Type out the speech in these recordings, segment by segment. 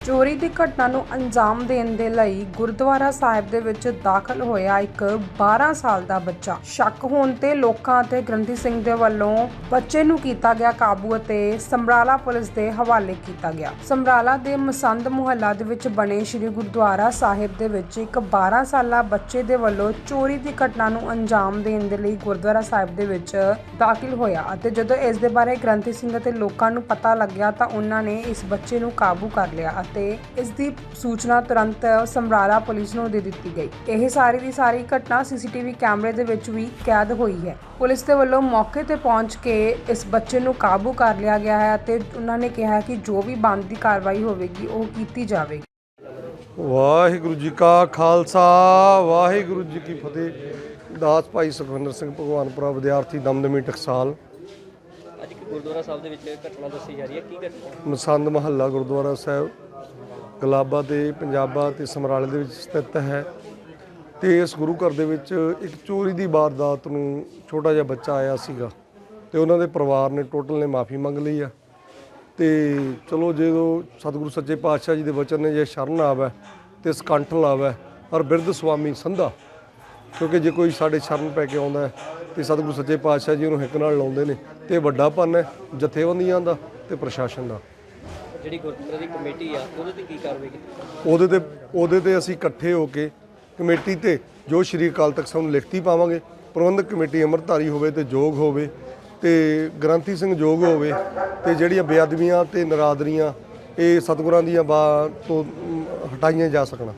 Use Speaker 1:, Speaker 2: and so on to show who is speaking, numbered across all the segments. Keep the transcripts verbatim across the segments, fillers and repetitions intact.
Speaker 1: ਚੋਰੀ ਦੀ ਘਟਨਾ ਨੂੰ ਅੰਜਾਮ ਦੇਣ ਦੇ ਲਈ ਗੁਰਦੁਆਰਾ ਸਾਹਿਬ ਦੇ ਵਿੱਚ ਦਾਖਲ ਹੋਇਆ ਇੱਕ ਬਾਰਾਂ ਸਾਲ ਦਾ ਬੱਚਾ। ਸ਼ੱਕ ਹੋਣ ਤੇ ਲੋਕਾਂ ਅਤੇ ਗ੍ਰੰਥੀ ਸਿੰਘ ਦੇ ਵੱਲੋਂ ਬੱਚੇ ਨੂੰ ਕੀਤਾ ਗਿਆ ਕਾਬੂ ਅਤੇ ਸਮਰਾਲਾ ਪੁਲਿਸ ਦੇ ਹਵਾਲੇ ਕੀਤਾ ਗਿਆ। ਸਮਰਾਲਾ ਦੇ ਮਸੰਦ ਮੁਹੱਲਾ ਦੇ ਵਿੱਚ ਬਣੇ ਸ੍ਰੀ ਗੁਰਦੁਆਰਾ ਸਾਹਿਬ ਦੇ ਵਿੱਚ ਇੱਕ ਬਾਰਾਂ ਸਾਲਾ ਬੱਚੇ ਦੇ ਵੱਲੋਂ ਚੋਰੀ ਦੀ ਘਟਨਾ ਨੂੰ ਅੰਜਾਮ ਦੇਣ ਦੇ ਲਈ ਗੁਰਦੁਆਰਾ ਸਾਹਿਬ ਦੇ ਵਿੱਚ ਦਾਖਲ ਹੋਇਆ ਅਤੇ ਜਦੋਂ ਇਸ ਦੇ ਬਾਰੇ ਗ੍ਰੰਥੀ ਸਿੰਘ ਅਤੇ ਲੋਕਾਂ ਨੂੰ ਪਤਾ ਲੱਗਿਆ ਤਾਂ ਉਹਨਾਂ ਨੇ ਇਸ ਬੱਚੇ ਨੂੰ ਕਾਬੂ ਕਰ ਲਿਆ ਅਤੇ ਇਸ ਦੀ ਸੂਚਨਾ ਤੁਰੰਤ ਸਮਰਾਲਾ ਪੁਲਿਸ ਨੂੰ ਦੇ ਦਿੱਤੀ ਗਈ। ਇਹ ਸਾਰੀ ਦੀ ਸਾਰੀ ਘਟਨਾ ਸੀਸੀਟੀਵੀ ਕੈਮਰੇ ਦੇ ਵਿੱਚ ਵੀ ਕੈਦ ਹੋਈ ਹੈ। ਪੁਲਿਸ ਦੇ ਵੱਲੋਂ ਮੌਕੇ ਤੇ ਪਹੁੰਚ ਕੇ ਇਸ ਬੱਚੇ ਨੂੰ ਕਾਬੂ ਕਰ ਲਿਆ ਗਿਆ ਹੈ ਅਤੇ ਉਹਨਾਂ ਨੇ ਕਿਹਾ ਕਿ ਜੋ ਵੀ ਬਣਦੀ ਕਾਰਵਾਈ ਹੋਵੇਗੀ ਉਹ ਕੀਤੀ ਜਾਵੇਗੀ।
Speaker 2: ਵਾਹਿਗੁਰੂ ਜੀ ਕਾ ਖਾਲਸਾ ਵਾਹਿਗੁਰੂ ਜੀ ਕੀ ਫਤਿਹ। ਦਾਸ ਭਾਈ ਸੁਖਵਿੰਦਰ ਸਿੰਘ ਭਗਵਾਨਪੁਰਾ ਵਿਦਿਆਰਥੀ ਦਮਦਮੀ ਟਕਸਾਲ।
Speaker 3: ਅੱਜ ਇੱਕ ਗੁਰਦੁਆਰਾ ਸਾਹਿਬ ਦੇ ਵਿੱਚ ਘਟਨਾ ਦੱਸੀ ਜਾ ਰਹੀ ਹੈ, ਕੀ ਘਟਨਾ?
Speaker 2: ਮਸੰਦ ਮਹੱਲਾ ਗੁਰਦੁਆਰਾ ਸਾਹਿਬ ਗਲਾਬਾ ਤੇ ਪੰਜਾਬਾ ਤੇ ਸਮਰਾਲੇ ਦੇ ਵਿੱਚ ਸਥਿਤ ਹੈ ਤੇ ਇਸ ਗੁਰੂ ਘਰ ਦੇ ਵਿੱਚ ਇੱਕ ਚੋਰੀ ਦੀ ਵਾਰਦਾਤ ਨੂੰ ਛੋਟਾ ਜਿਹਾ ਬੱਚਾ ਆਇਆ ਸੀਗਾ ਤੇ ਉਹਨਾਂ ਦੇ ਪਰਿਵਾਰ ਨੇ ਟੋਟਲ ਨੇ ਮਾਫੀ ਮੰਗ ਲਈ ਆ ਤੇ ਚਲੋ ਜਦੋਂ ਸਤਿਗੁਰੂ ਸੱਚੇ ਪਾਤਸ਼ਾਹ ਜੀ ਦੇ ਵਚਨ ਨੇ ਜੇ ਸ਼ਰਨ ਆਵੇ ਤੇ ਸਕੰਠ ਲਾਵੇ ਔਰ ਬਿਰਧ ਸੁਆਮੀ ਸੰਧਾ, ਕਿਉਂਕਿ ਜੇ ਕੋਈ ਸਾਡੇ ਸ਼ਰਨ ਪੈ ਕੇ ਆਉਂਦਾ ਤੇ ਸਤਿਗੁਰੂ ਸੱਚੇ ਪਾਤਸ਼ਾਹ ਜੀ ਉਹਨੂੰ ਹਿੱਕ ਨਾਲ ਲਾਉਂਦੇ ਨੇ ਤੇ ਵੱਡਾ ਪੰਨ ਹੈ ਜਥੇਬੰਦੀਆਂ ਦਾ ਤੇ ਪ੍ਰਸ਼ਾਸਨ ਦਾ।
Speaker 3: ਜਿਹੜੀ ਗੁਰਦੁਆਰੇ ਦੀ ਕਮੇਟੀ ਆ ਉਹਦੇ ਤੇ ਕੀ ਕਾਰਵਾਈ ਕੀਤੀ?
Speaker 2: ਉਹਦੇ ਤੇ ਉਹਦੇ ਤੇ ਅਸੀਂ ਇਕੱਠੇ ਹੋ ਕੇ ਕਮੇਟੀ ਤੇ ਜੋ ਸ਼੍ਰੀ ਅਕਾਲ ਤਖਤ ਸਾਹਿਬ ਨੂੰ ਲਿਖਤੀ ਪਾਵਾਂਗੇ। ਪ੍ਰਬੰਧਕ ਕਮੇਟੀ ਅੰਮ੍ਰਿਤਧਾਰੀ ਹੋਵੇ ਤੇ ਯੋਗ ਹੋਵੇ ਤੇ ਗ੍ਰੰਥੀ ਸਿੰਘ ਯੋਗ ਹੋਵੇ ਤੇ ਜਿਹੜੀਆਂ ਬੇਅਦਬੀਆਂ ਤੇ ਨਰਾਦਰੀਆਂ ਇਹ ਸਤਿਗੁਰਾਂ ਦੀਆਂ ਬਾ ਤੋਂ ਹਟਾਈਆਂ ਜਾ ਸਕਣ।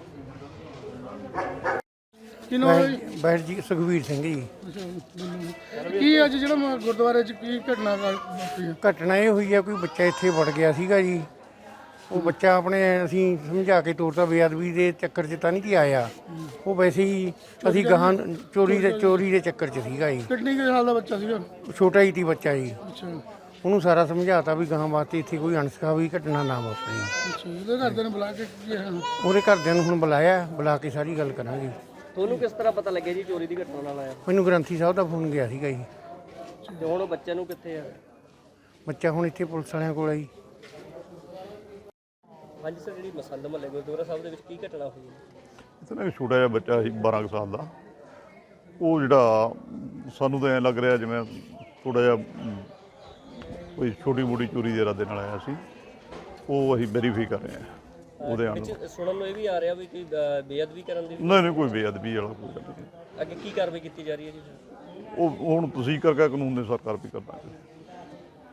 Speaker 4: ਬੈਠ ਜੀ ਸੁਖਵੀਰ ਸਿੰਘ ਜੀ।
Speaker 5: ਕੀ ਅੱਜ ਜਿਹੜਾ ਗੁਰਦੁਆਰੇ 'ਚ ਕੀ ਘਟਨਾ ਵਾਪਰੀ ਹੈ?
Speaker 4: ਘਟਨਾ ਇਹ ਹੋਈ ਹੈ, ਕੋਈ ਬੱਚਾ ਇੱਥੇ ਵੜ ਗਿਆ ਸੀਗਾ ਜੀ। ਉਹ ਬੱਚਾ ਆਪਣੇ ਅਸੀਂ ਸਮਝਾ ਕੇ ਤੋਰਤਾ, ਬੇਅਦਬੀ ਦੇ ਚੱਕਰ 'ਚ ਤਾਂ ਨਹੀਂ ਜੀ ਆਇਆ, ਉਹ ਵੈਸੇ ਹੀ ਅਸੀਂ ਗਾਹਾਂ ਚੋਰੀ ਦੇ ਚੋਰੀ ਦੇ ਚੱਕਰ 'ਚ ਸੀਗਾ ਜੀ।
Speaker 5: ਕਿੰਨੀ ਕੁ ਸਾਲ ਦਾ ਬੱਚਾ ਸੀਗਾ?
Speaker 4: ਛੋਟਾ ਹੀ ਸੀ ਬੱਚਾ ਜੀ।
Speaker 5: ਅੱਛਾ
Speaker 4: ਉਹਨੂੰ ਸਾਰਾ ਸਮਝਾਤਾ ਵੀ ਗਾਹਾਂ ਵਾਸਤੇ ਇੱਥੇ ਕੋਈ ਅਣਸਖਾਵੀ ਘਟਨਾ ਨਾ ਵਾਪਰੇ।
Speaker 5: ਅੱਛਾ ਇਹਦੇ ਘਰਦਿਆਂ ਨੂੰ ਬੁਲਾ ਕੇ ਕੀ ਹੈ?
Speaker 4: ਉਹਦੇ ਘਰਦਿਆਂ ਨੂੰ ਹੁਣ ਬੁਲਾਇਆ, ਬੁਲਾ ਕੇ ਸਾਰੀ ਗੱਲ ਕਰਾਂਗੇ।
Speaker 3: ਤੁਹਾਨੂੰ ਕਿਸ ਤਰ੍ਹਾਂ ਪਤਾ ਲੱਗਿਆ ਜੀ ਚੋਰੀ ਦੀ ਘਟਨਾ ਨਾਲ ਆਇਆ?
Speaker 4: ਮੈਨੂੰ ਗ੍ਰੰਥੀ ਸਾਹਿਬ ਦਾ ਫੋਨ ਗਿਆ ਸੀਗਾ ਜੀ।
Speaker 3: ਤੇ ਹੁਣ ਉਹ ਬੱਚੇ ਨੂੰ ਕਿੱਥੇ ਆ?
Speaker 4: ਬੱਚਾ ਹੁਣ ਇੱਥੇ ਪੁਲਿਸ ਵਾਲਿਆਂ ਕੋਲ ਆ ਜੀ।
Speaker 3: ਹਾਂਜੀ ਸਰ, ਜਿਹੜੀ ਮਸੰਦ ਮਹੱਲੇ ਗੁਰਦੁਆਰਾ ਸਾਹਿਬ ਦੇ ਵਿੱਚ ਕੀ ਘਟਨਾ ਹੋਈ ਹੈ?
Speaker 6: ਇੱਥੇ ਨਾ ਇੱਕ ਛੋਟਾ ਜਿਹਾ ਬੱਚਾ ਸੀ ਬਾਰਾਂ ਕੁ ਸਾਲ ਦਾ। ਉਹ ਜਿਹੜਾ ਸਾਨੂੰ ਤਾਂ ਐਂ ਲੱਗ ਰਿਹਾ ਜਿਵੇਂ ਥੋੜ੍ਹਾ ਜਿਹਾ ਕੋਈ ਛੋਟੀ ਮੋਟੀ ਚੋਰੀ ਦੇ ਇਰਾਦੇ ਨਾਲ ਆਇਆ ਸੀ। ਉਹ ਅਸੀਂ ਵੈਰੀਫਾਈ ਕਰ ਰਹੇ ਹਾਂ ਉਹਦੇ ਆਉਣ ਨੂੰ।
Speaker 3: ਸੁਣਨ ਨੂੰ ਇਹ ਵੀ ਆ ਰਿਹਾ ਵੀ ਕੋਈ ਅ, ਬੇਅਦਬੀ ਕਰਨ ਦੀ?
Speaker 6: ਨਹੀਂ ਨਹੀਂ, ਕੋਈ ਬੇਅਦਬੀ ਵਾਲਾ ਕੋਈ ਗੱਲ ਨਹੀਂ।
Speaker 3: ਅੱਗੇ ਕੀ ਕਾਰਵਾਈ ਕੀਤੀ ਜਾ ਰਹੀ ਹੈ ਜੀ?
Speaker 6: ਉਹ ਹੁਣ ਤੁਸੀਂ ਕਰਕੇ ਕਾਨੂੰਨ ਦੇ ਸਰਕਾਰ ਵੀ ਕਰਦਾ।